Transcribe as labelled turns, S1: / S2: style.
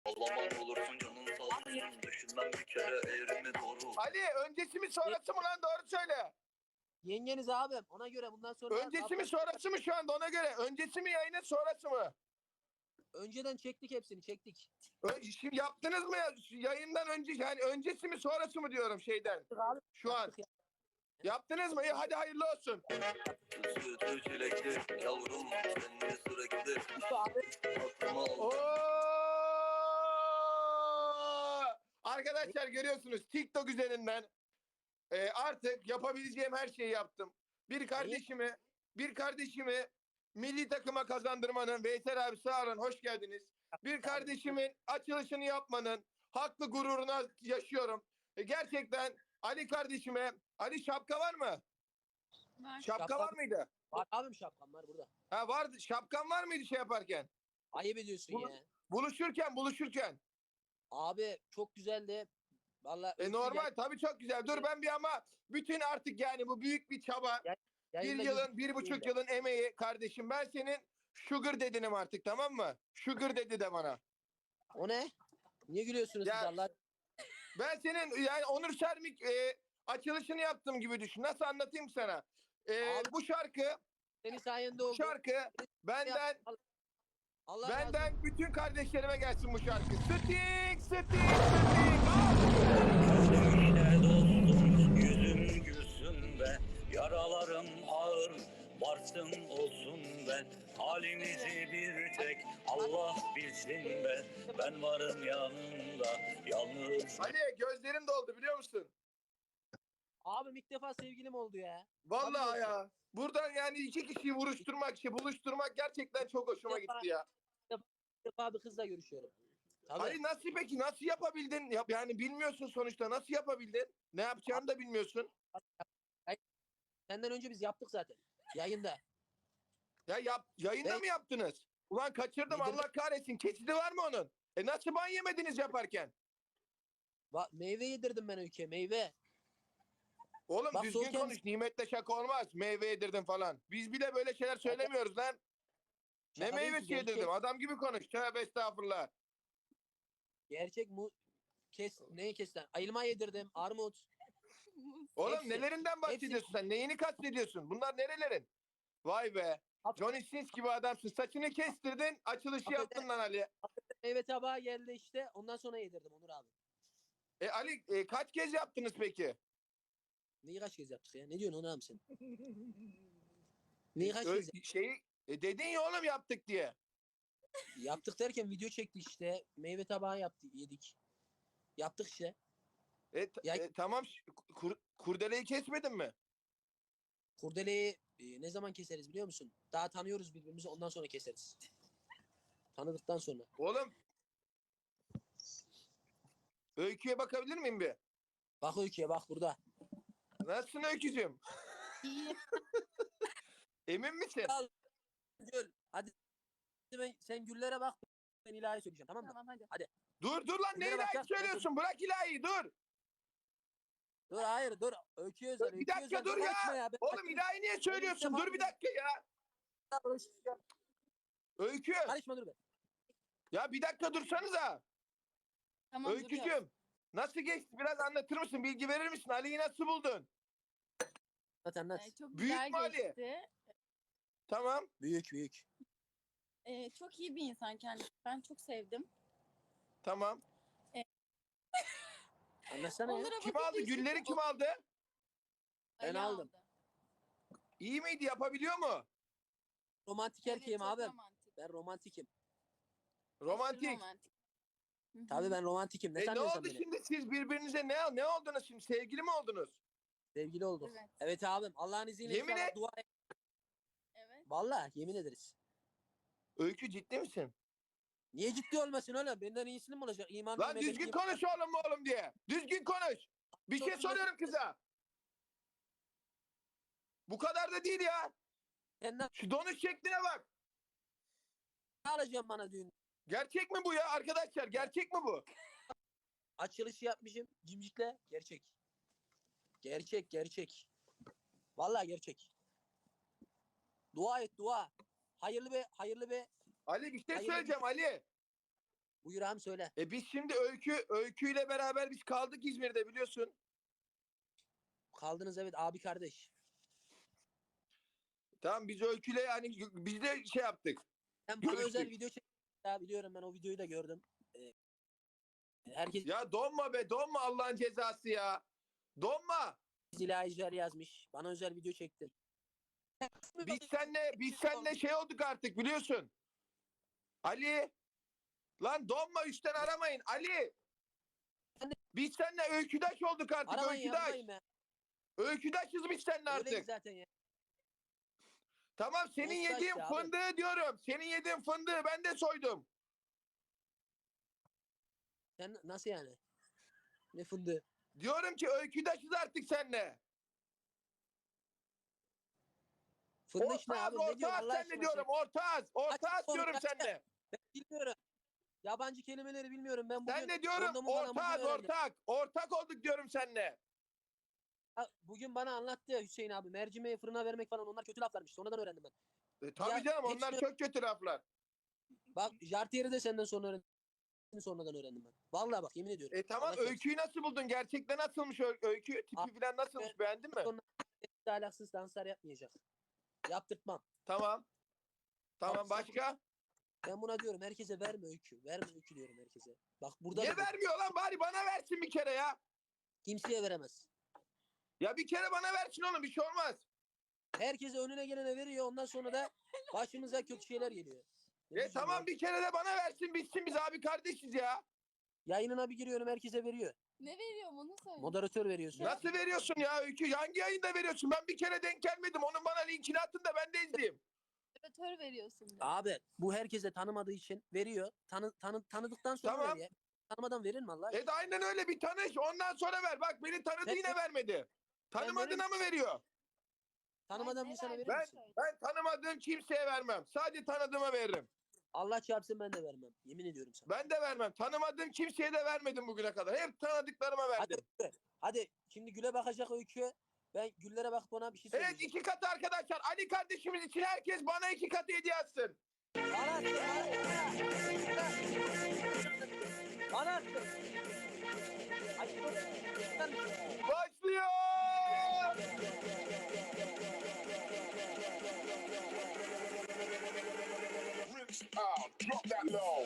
S1: Allah'ım olursun canın sağ olsun. Düşünmem bir kere eğrimi doğru.
S2: Ali öncesi mi sonrası mı lan, doğru söyle.
S3: Yengeniz abim. Ona göre bundan sonra...
S2: Öncesi mi sonrası mı şu anda, ona göre. Öncesi mi yayının, sonrası mı?
S3: Önceden çektik hepsini çektik.
S2: Şimdi yaptınız mı ya? Yayından önce, yani öncesi mi sonrası mı diyorum şeyden. Şu an. Yaptınız mı? İyi, hadi hayırlı olsun.
S1: Sütü çilekli yavrum seni sürekli aklıma
S2: Oo! Arkadaşlar görüyorsunuz TikTok üzerinden artık yapabileceğim her şeyi yaptım. Bir kardeşimi milli takıma kazandırmanın, Veysel abi sağ olun, hoş geldiniz. Bir kardeşimin açılışını yapmanın haklı gururuna yaşıyorum. Gerçekten Ali kardeşime, Ali şapka var mı?
S4: Var.
S2: Şapka var mıydı?
S3: Var abim, şapkam var burada.
S2: Ha vardı. Şapkan var mıydı şey yaparken?
S3: Ayıp ediyorsun ya.
S2: Buluşurken.
S3: Abi çok güzeldi. Vallahi
S2: Normal tabii, çok güzel. Dur ben bir, ama bütün artık yani bu büyük bir çaba.
S3: yayında
S2: Bir yılın,
S3: gözüküyor
S2: 1,5
S3: da.
S2: yılın emeği kardeşim. Ben senin sugar dedinim artık, tamam mı? Sugar dedi de bana.
S3: O ne? Niye gülüyorsunuz
S2: Ya-
S3: siz Allah?
S2: Ben senin yani Onur Sermik açılışını yaptığım gibi düşün. Nasıl anlatayım sana?
S3: Abi-
S2: Bu şarkı
S3: Senin sayende oldu.
S2: benden
S3: Allah razı olsun.
S2: benden bütün kardeşlerime gelsin bu şarkı. Sting.
S1: Sevgiyle dostum yüzüm gülsün be. Yaralarım ağır varsın olsun be. Halimizi bir tek Allah bilsin be. Ben varım yanında yalnız.
S2: Ali gözlerim doldu biliyor musun?
S3: Abim ilk defa sevgilim oldu ya.
S2: Vallahi
S3: Tabii
S2: ya. Buradan yani iki kişiyi buluşturmak gerçekten çok hoşuma gitti ya.
S3: İlk defa bir kızla görüşüyorum. Tabii.
S2: Ali nasıl yapabildin? Yani bilmiyorsun sonuçta, nasıl yapabildin? Ne yapacağını da bilmiyorsun.
S3: Senden önce biz yaptık zaten. Yayında.
S2: Yayında mı yaptınız? Ulan kaçırdım,
S3: Yedirdim.
S2: Allah kahretsin. Kesidi var mı onun? Nasıl ban yemediniz yaparken?
S3: Meyve yedirdim ben Öykü'ye, meyve.
S2: Oğlum
S3: Bak,
S2: düzgün
S3: soğuk
S2: konuş. Nimetle şaka olmaz. Meyve yedirdim falan. Biz bile böyle şeyler söylemiyoruz lan. Ne
S3: Şaka değil ki,
S2: meyvesi yedirdim? Adam gibi konuş. Tövbe estağfurullah.
S3: Gerçek neyi kes lan? Ayılma yedirdim, armut.
S2: Oğlum
S3: Hepsi.
S2: nelerinden bahsediyorsun sen? Neyini kastediyorsun? Bunlar nerelerin? Vay be. Johnny Sins gibi adamsın. Saçını kestirdin, açılışı yaptın lan Ali.
S3: Meyve tabağı geldi işte. Ondan sonra yedirdim Onur abi.
S2: Ali kaç kez yaptınız peki?
S3: Neyi kaç kez yaptık ya? Ne diyorsun Onur abi sen? Neyi kaç kez
S2: Dedin ya oğlum yaptık diye.
S3: yaptık derken video çekti işte. Meyve tabağı yedik. Yaptık işte.
S2: Tamam, kurdeleyi kesmedin mi?
S3: Kurdeleyi ne zaman keseriz biliyor musun? Daha tanıyoruz birbirimizi, ondan sonra keseriz. Tanıdıktan sonra.
S2: Oğlum Öykü'ye bakabilir miyim bir?
S3: Bak Öykü'ye, bak burada.
S2: Nasılsın Öykücüğüm?
S4: İyi.
S2: Emin misin?
S3: Al. Gül. Hadi sen güllere bak. Ben ilahi söyleyeceğim, tamam mı?
S4: Tamam hadi.
S2: Dur lan, ne
S3: Güllere
S2: ilahi
S3: bakacağız.
S2: söylüyorsun? Bırak ilahi, dur.
S3: Dur hayır dur. Öykü'ye özel.
S2: Bir dakika dur ya. Oğlum ilahi niye söylüyorsun? Dur bir dakika ya. Öykü.
S3: Karışma dur be.
S2: Ya bir dakika dursanıza.
S4: Tamam duruyor.
S2: Öykücüğüm. Nasıl geçti? Biraz anlatır mısın? Bilgi verir misin? Ali'yi nasıl buldun?
S3: Anlat.
S4: Çok
S2: Büyük
S4: güzel
S2: mü Ali?
S4: geçti.
S2: Tamam.
S3: Büyük.
S4: Çok iyi bir insan kendisi. Ben çok sevdim.
S2: Tamam.
S3: Anlatsana ya.
S4: Onlara
S2: Kim
S4: bakınca
S2: aldı?
S4: işte
S2: Gülleri kim aldı?
S3: Ben
S4: Ali
S3: aldım.
S4: aldı.
S2: İyi miydi? Yapabiliyor mu?
S3: Romantik
S4: Evet,
S3: erkeğim
S4: çok
S3: abi.
S4: romantik.
S3: Ben romantikim.
S4: Aşırı
S2: Romantik.
S4: romantik. Hı hı.
S3: Tabii ben romantikim. Ne
S2: Ne
S3: sanıyorsun
S2: oldu
S3: beni?
S2: şimdi, siz birbirinize ne oldunuz şimdi? Sevgili mi oldunuz?
S3: Sevgili olduk.
S4: Evet.
S3: Evet abim. Allah'ın izniyle
S2: Yemin
S3: inşallah
S2: et.
S3: dua et.
S4: Evet.
S3: Vallahi yemin ederiz.
S2: Öykü ciddi misin?
S3: Niye ciddi olmasın oğlum? Benden iyisini mi olacak? İmanlı
S2: Lan düzgün konuş oğlum diye. Düzgün konuş. Bir şey soruyorum kıza. Bu kadar da değil ya.
S3: Sen ne
S2: Şu donuş şekline bak.
S3: alacaksın bana düğün?
S2: Gerçek mi bu ya arkadaşlar? Gerçek mi bu?
S3: Açılışı yapmışım. Cimcikle. Gerçek. Gerçek. Vallahi gerçek. Dua et dua. Hayırlı be.
S2: Ali bir şey
S3: Hayırlı
S2: söyleyeceğim Ali.
S3: Buyur ağam söyle.
S2: Biz şimdi Öykü'yle beraber biz kaldık İzmir'de biliyorsun.
S3: Kaldınız evet abi kardeş.
S2: Tamam biz Öykü'yle hani biz de şey yaptık.
S3: Sen bana
S2: Görüştük.
S3: özel video çektin ya, biliyorum ben o videoyu da gördüm. Herkes
S2: Ya donma be donma Allah'ın cezası ya. Donma.
S3: ilahiler yazmış. Bana özel video çektin.
S2: Biz seninle şey olduk artık biliyorsun. Ali. Lan donma üstten aramayın. Ali. Biz seninle öyküdaş olduk artık.
S3: Aramayın
S2: Öyküdaş.
S3: yapmayın be.
S2: Öyküdaşız biz seninle
S3: Öyleyiz
S2: artık.
S3: zaten ya.
S2: Tamam senin
S3: Muhtaç
S2: yediğin
S3: ya abi.
S2: fındığı diyorum. Senin yediğin fındığı ben de soydum.
S3: Sen nasıl yani? Ne fındığı?
S2: Diyorum ki öyküdaşız artık seninle.
S3: Fındık ne abi? Ne diyorsun
S2: Ortağız
S3: Allah
S2: seninle
S3: aşkına?
S2: diyorum. Ortağız. Ortağız
S3: Açık
S2: diyorum
S3: konuş, açık.
S2: seninle.
S3: Ben bilmiyorum. Yabancı kelimeleri bilmiyorum. Ben bugün
S2: Sen de diyorum
S3: kondomu falan bugün
S2: ortağız
S3: öğrendim.
S2: ortak. Ortak olduk diyorum seninle.
S3: Bugün bana anlattı ya Hüseyin abi. Mercimeği fırına vermek falan onlar kötü laflarmış. Sonradan öğrendim ben.
S2: Tabii
S3: Ya,
S2: canım onlar
S3: hepsini-
S2: çok kötü laflar.
S3: Bak Jartier'i de senden sonra öğrendim. Sonradan öğrendim ben. Vallahi bak yemin ediyorum.
S2: Tamam
S3: Allah çarpsın.
S2: öyküyü nasıl buldun? Gerçekten nasılmış öykü? Tipi falan nasılmış? Beğendin mi?
S3: Sonra ahlaksız danslar yapmayacak. Yaptırtmam.
S2: Tamam. Tamam
S3: Bak,
S2: başka?
S3: Ben buna diyorum herkese verme öykü. Verme öykü diyorum herkese. Bak burada
S2: Niye
S3: da
S2: vermiyor lan? Bari bana versin bir kere ya.
S3: kimseye veremez.
S2: Ya bir kere bana versin oğlum bir şey olmaz.
S3: Herkese önüne gelene veriyor. Ondan sonra da başımıza kötü şeyler geliyor. Ne üzülüyor?
S2: Tamam bir kere de bana versin bitsin biz abi kardeşiz ya.
S3: Yayınına bir giriyorum herkese veriyor.
S4: Ne veriyorum onu söyle.
S3: Moderatör veriyorsun.
S2: Nasıl veriyorsun ya öykü? Hangi yayında veriyorsun? Ben bir kere denk gelmedim. Onun bana linkini atın da ben de izleyeyim.
S4: Moderatör veriyorsun. de.
S3: Abi bu herkese tanımadığı için veriyor. Tanıdıktan sonra
S2: Tamam.
S3: veriyor. Tanımadan verir mi Allah aşkına?
S2: De aynen öyle bir tanış ondan sonra ver. Bak beni tanıdı
S3: Ben-
S2: yine vermedi. Tanımadığına mı veriyor?
S3: Tanımadan
S4: Ay,
S3: bir insana
S4: ne
S3: verir
S2: Ben,
S3: misin?
S2: ben tanımadığım kimseye vermem. Sadece tanıdığıma veririm.
S3: Allah çarpsın ben de vermem. Yemin ediyorum sana.
S2: Ben de vermem. Tanımadığım kimseye de vermedim bugüne kadar. Hep tanıdıklarıma
S3: Hadi,
S2: verdim.
S3: hadi şimdi Gül'e bakacak öykü. Ben Güllere bakıp ona bir şey
S2: Evet
S3: söyleyeceğim.
S2: 2 katı arkadaşlar. Ali kardeşimiz için herkes bana 2 katı hediye atsın.
S3: Bana attı, bana attı. Hadi dur.
S2: Başlıyor.
S5: Drop that low.